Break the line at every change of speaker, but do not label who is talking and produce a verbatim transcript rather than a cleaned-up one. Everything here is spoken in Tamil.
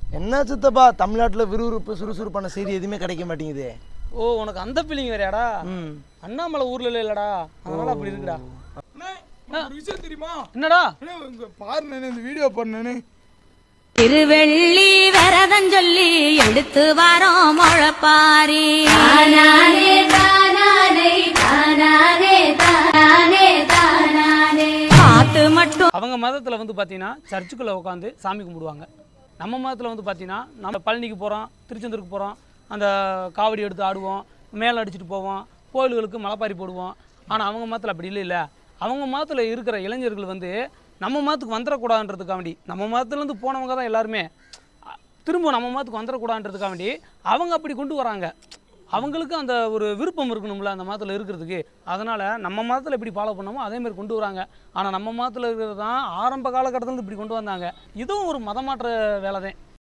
என்ன சித்தப்பா தமிழ்நாட்டில் விறுவிறுப்பு சுறுசுறுப்பான செய்தி எதுவுமே கிடைக்க மாட்டேங்குது.
ஓ உனக்கு அந்த ஃபீலிங் வேறையாடா?
ம்
அண்ணாமலை ஊர்ல இல்லடா, அதனால அப்படி இருக்குடா.
ஒரு விஷயம் தெரியுமா?
என்னடா
பாரு இந்த வீடியோ பண்ணு.
திருவெள்ளி வரதன் சொல்லி எடுத்து வரோம் முழப்பாரி. பார்த்து மட்டும்
அவங்க மதத்தில் வந்து பார்த்தீங்கன்னா சர்ச்சுக்குள்ளே உட்காந்து சாமி கும்பிடுவாங்க. நம்ம மதத்தில் வந்து பார்த்தீங்கன்னா நம்ம பழனிக்கு போகிறோம், திருச்செந்தூருக்கு போகிறோம், அந்த காவடி எடுத்து ஆடுவோம், மேலே அடிச்சுட்டு போவோம், கோயில்களுக்கு மலைப்பாரி போடுவோம். ஆனால் அவங்க மதத்தில் அப்படி இல்லை இல்லை அவங்க மதத்தில் இருக்கிற இளைஞர்கள் வந்து நம்ம மதத்துக்கு வந்துடக்கூடாதுன்றதுக்காக வேண்டி, நம்ம மதத்துலேருந்து போனவங்க தான் எல்லாருமே திரும்ப நம்ம மதத்துக்கு வந்துடக்கூடாதுன்றதுக்காக வேண்டி அவங்க அப்படி கொண்டு வராங்க. அவங்களுக்கு அந்த ஒரு விருப்பம் இருக்கணும்ல அந்த மதத்தில் இருக்கிறதுக்கு. அதனால் நம்ம மதத்தில் எப்படி ஃபாலோ பண்ணோமோ அதேமாதிரி கொண்டு வராங்க. ஆனால் நம்ம மதத்தில் இருக்கிறது தான் ஆரம்ப காலகட்டத்தில் இப்படி கொண்டு வந்தாங்க. இதுவும் ஒரு மதமாற்ற வேலை தான்.